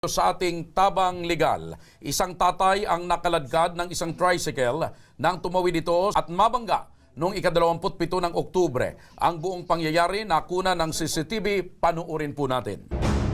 Sa ating tabang legal, isang tatay ang nakaladkad ng isang tricycle nang tumawid ito at mabangga noong ika-27 ng Oktubre. Ang buong pangyayari nakuna ng CCTV, panuorin po natin.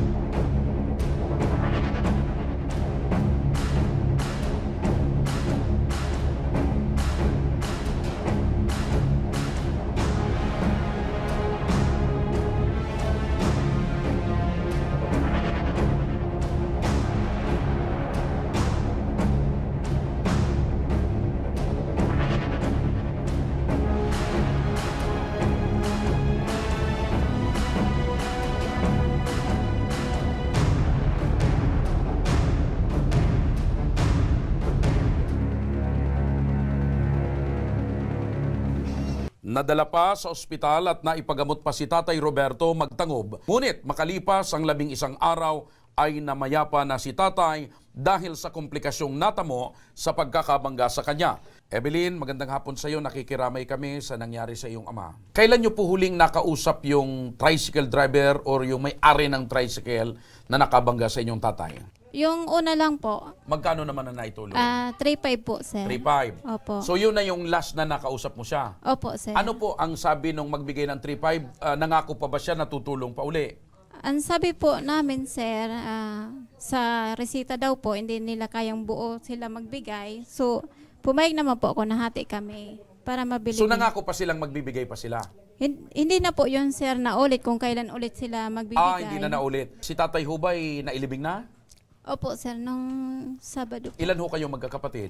Nadala pa sa ospital at naipagamot pa si Tatay Roberto magtangob. Ngunit makalipas ang 11 araw ay namayapa na si Tatay dahil sa komplikasyong natamo sa pagkakabangga sa kanya. Evelyn, magandang hapon sa iyo. Nakikiramay kami sa nangyari sa iyong ama. Kailan niyo po huling nakausap yung tricycle driver or yung may-ari ng tricycle na nakabangga sa inyong tatay? Yung una lang po, Magkano naman na naitulong? 3.5 po, sir. 3.5. Opo. So yun na yung last na nakausap mo siya? Opo, sir. Ano po ang sabi nung magbigay ng 3.5? Nangako pa ba siya na tutulong pa uli? Ang sabi po namin, sir, sa resita daw po, hindi nila kayang buo sila magbigay. So, pumayag naman po ako na hati kami para mabili. So nangako pa silang magbibigay pa sila? Hindi na po yun, sir, na ulit kung kailan ulit sila magbibigay. Hindi na naulit. Si Tatay Hubay nailibing na? Opo, sir, nung Sabado po. Ilan ho kayo magkakapatid?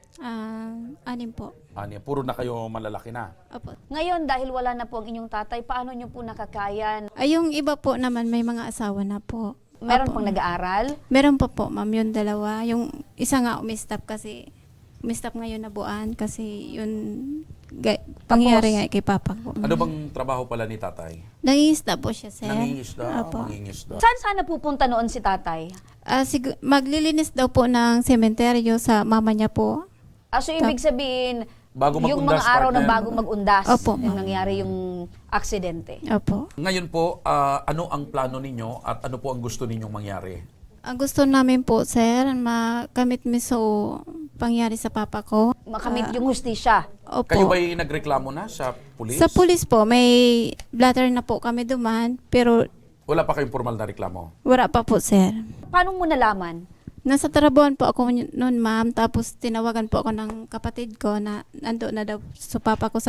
6 po. Puro na kayo malalaki na. Opo. Ngayon, dahil wala na po ang inyong tatay, paano nyo po nakakayan? Yung iba po naman may mga asawa na po. Meron Opo. pang nag-aaral? Meron pa po, ma'am, yung dalawa. Yung isa nga umistap kasi, umistap ngayon na buwan kasi yun pangyayari nga kay Papa ko. Ano bang trabaho pala ni Tatay? Nangingisda po siya, sir. Nangingisda. Opo. Mangingisda. Saan sana pupunta noon si tatay? Maglilinis daw po ng sementeryo sa mama niya po. So, ibig sabihin, Bago yung mag-undas, mga araw na partner. bago mag-undas, Opo, yung ma'am. nangyari yung aksidente. Opo. Ngayon po, ano ang plano ninyo at ano po ang gusto ninyong mangyari? Ang gusto namin po, sir, makamit miso pangyari sa papa ko. Makamit yung hustisya. Opo. Kayo ba'y nagreklamo na sa pulis? Sa pulis po, may blatter na po kami duman, pero Wala pa kayong formal na reklamo? wala pa po, sir. Paano mo nalaman? Nasa Tarabuan po ako noon, ma'am. Tapos tinawagan po ako ng kapatid ko na nando na daw sa papa ko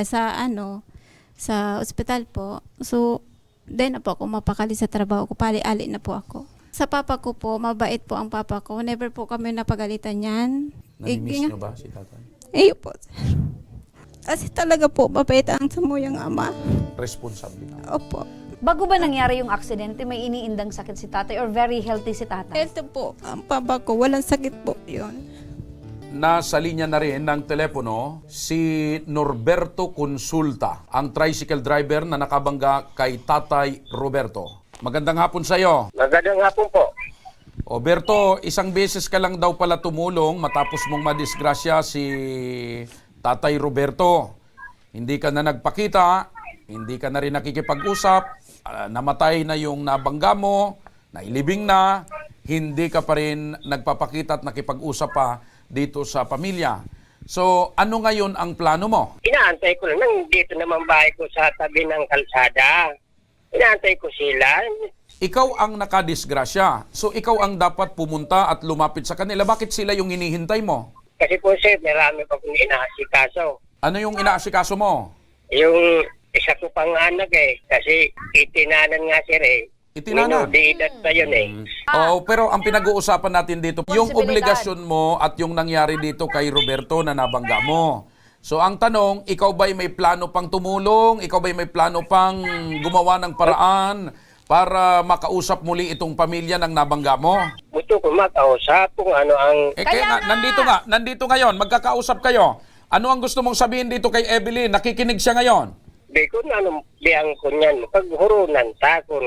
sa ospital po. So, then na po ako mapakali sa trabaho ko. Pali-ali na po ako. Sa papa ko po, mabait po ang papa ko. Never po kami napagalitan yan. Namimiss nyo ba si Tatay? Po. Kasi talaga po, mabait ang samuyang ama. Responsable na. Opo. Bago ba nangyari yung aksidente, may iniindang sakit si tatay or very healthy si tatay? Healthy po ang papa ko. Walang sakit po yun. Nasa linya na rin ng telepono si Norberto Consulta, ang tricycle driver na nakabangga kay Tatay Roberto. Magandang hapon sa iyo. Magandang hapon po. Roberto, isang beses ka lang daw pala tumulong matapos mong madisgrasya si Tatay Roberto. Hindi ka na nagpakita, hindi ka na rin nakikipag-usap, namatay na yung nabangga mo, nailibing na, hindi ka pa rin nagpapakita at nakipag-usap pa dito sa pamilya. So, ano ngayon ang plano mo? Inaantay ko lang. Nandito naman bahay ko sa tabi ng kalsada. Inaantay ko sila. Ikaw ang nakadisgrasya. So, ikaw ang dapat pumunta at lumapit sa kanila. Bakit sila yung hinihintay mo? Kasi po sir, marami pa kong inaasikaso. Ano yung inaasikaso mo? Yung isa ko pang anak kasi itinanan nga sir Itinanan? Di edad pa yun Oh, pero ang pinag-uusapan natin dito, yung Responsibilidad. obligasyon mo at yung nangyari dito kay Roberto na nabangga mo. So ang tanong, ikaw ba'y may plano pang tumulong? Ikaw ba'y may plano pang gumawa ng paraan para makausap muli itong pamilya ng nabangga mo? Gusto ko makausap kung ano ang... Kaya nga, nandito ngayon, magkakausap kayo. Ano ang gusto mong sabihin dito kay Evelyn? Nakikinig siya ngayon. Di ko na anong biyang ko niyan. Paghurunan ta kung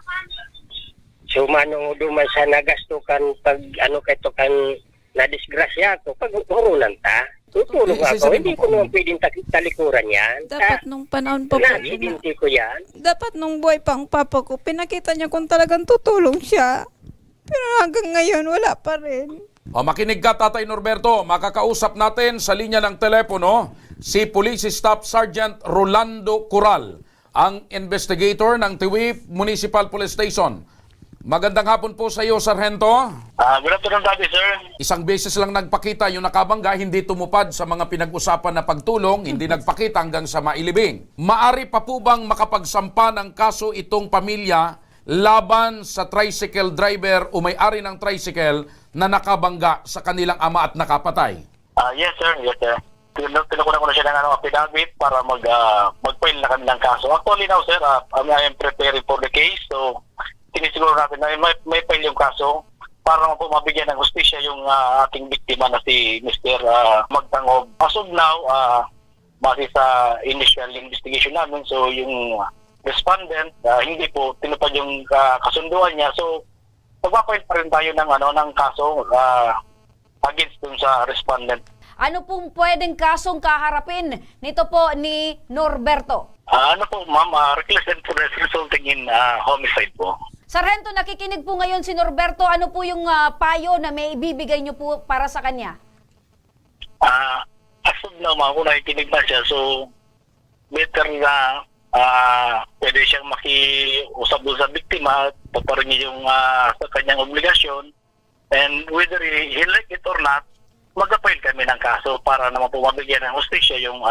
sumanong duman sa nagastukan pag ano kaito kan nadisgrasya ko. Paghurunan ta. Tutulong Okay, ako. isasabihin Hindi mo ko po. naman pwedeng talikuran yan. Dapat nung panahon pa po. Na-accidente ko yan. Dapat nung buhay pang papa ko, pinakita niya kung talagang tutulong siya. Pero hanggang ngayon, wala pa rin. O makinig ka, Tatay Norberto. Makakausap natin sa linya ng telepono si Police Staff Sergeant Rolando Coral, ang investigator ng Tiwi Municipal Police Station. Magandang hapon po sa iyo, Sargento. Good afternoon, Daddy, sir. Isang beses lang nagpakita yung nakabangga, hindi tumupad sa mga pinag-usapan na pagtulong, hindi nagpakita hanggang sa mailibing. Maari pa po bang makapagsampa ng kaso itong pamilya laban sa tricycle driver o may-ari ng tricycle na nakabangga sa kanilang ama at nakapatay? Yes, sir. Yes, sir. Tinukunan ko na siya ng affidavit para mag-file na kami ng kaso. Actually now, sir, I am preparing for the case. So, tinisiguro natin na may file yung kaso para naman po mabigyan ng hustisya yung ating biktima na si Mr. Magtangob. As of now, base sa initial investigation namin, so yung respondent, hindi po tinupad yung kasunduan niya. So, magpapile pa rin tayo ng kaso against dun sa respondent. Ano pong pwedeng kasong kaharapin nito po ni Norberto? Ano po, ma'am, reckless imprudence resulting in homicide po. Sargento, nakikinig po ngayon si Norberto. Ano po yung payo na may ibibigay niyo po para sa kanya? As of now, ma'am, kung nakikinig na siya, so better na pwede siyang makiusap doon sa biktima, paparin niya yung sa kanyang obligasyon, and whether he like it or not, mag-appoint kami ng kaso para naman po mabigyan ng hustisya yung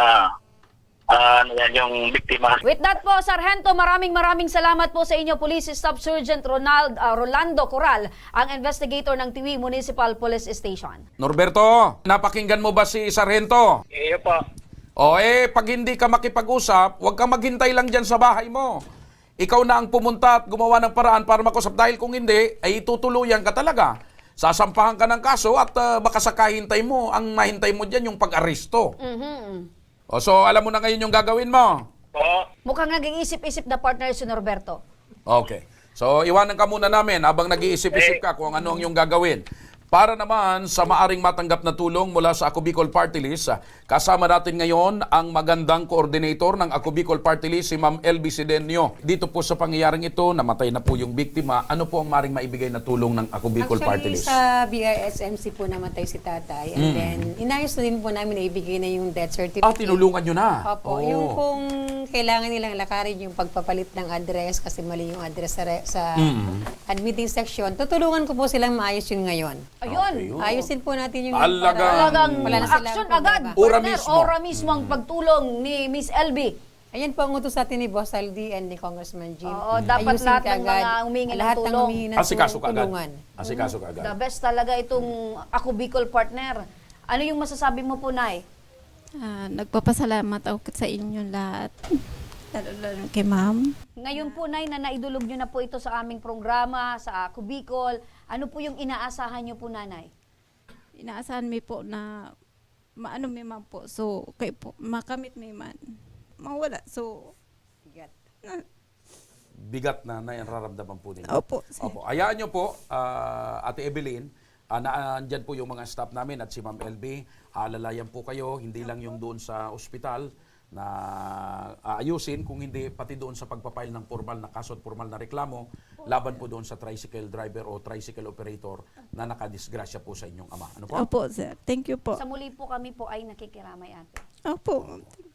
yung biktima. With that po, Sargento, maraming salamat po sa inyo, Police Staff Sergeant Rolando Coral, ang investigator ng Tiwi Municipal Police Station. Norberto, napakinggan mo ba si Sargento? Iyo po. Pag hindi ka makipag-usap, huwag kang maghintay lang dyan sa bahay mo. Ikaw na ang pumunta at gumawa ng paraan para makusap. Dahil kung hindi, ay tutuluyan ka talaga. Sasampahan ka ng kaso at baka sa kahintay mo, ang mahintay mo dyan yung pag-aresto. So, alam mo na ngayon yung gagawin mo? Mukhang nag-iisip-isip na partner si Norberto. Okay. So, iwanan ka muna namin habang nag-iisip-isip ka kung ano ang iyong gagawin. Para naman sa maaring matanggap na tulong mula sa Ako Bicol Party List, kasama natin ngayon ang magandang coordinator ng Ako Bicol Party List, si Ma'am LB Sidenio. Dito po sa pangyayaring ito, namatay na po yung biktima. Ano po ang maaring maibigay na tulong ng Ako Bicol Party List? Sa BRSMC po namatay si tatay. And then, inayos na din po namin na ibigay na yung death certificate. Tinulungan nyo na? Opo. Yung kung kailangan nilang lakarin yung pagpapalit ng address kasi mali yung address sa admitting section, tutulungan ko po silang maayos yun ngayon. Ayun. Ayusin po natin yung Talagang wala na silang action problema. agad. Ora Partner, mismo. ora mismo ang pagtulong ni Miss LB. Ayan po ang utos sa atin ni Boss Aldi and ni Congressman Jim. Oo, dapat Ayusin lahat ng kaagad. mga humingi ng Lahat ng tulong. humingi ng Asikaso ka agad. tulungan. Asikaso ka agad. The best talaga itong Ako Bicol partner. Ano yung masasabi mo po, Nay? Nagpapasalamat ako sa inyong lahat. Lalo kay ma'am. Ngayon po, Nay, na naidulog nyo na po ito sa aming programa, sa Ako Bicol. Ano po yung inaasahan nyo po, Nanay? Inaasahan mi po na maano mi man po. So, kay po, makamit mi man. Mawala. So, Bigat na nararamdaman po ninyo. opo. Opo. Hayaan nyo po, Ate Evelyn, naandyan po yung mga staff namin at si Ma'am LB. Alalayan po kayo, hindi lang yung doon sa ospital na aayusin, kung hindi pati doon sa pagpapail ng formal na kaso at formal na reklamo, laban po doon sa tricycle driver o tricycle operator na nakadisgrasya po sa inyong ama. Ano po? Opo, sir. Thank you po. Sa muli po kami po ay nakikiramay, ate. Opo.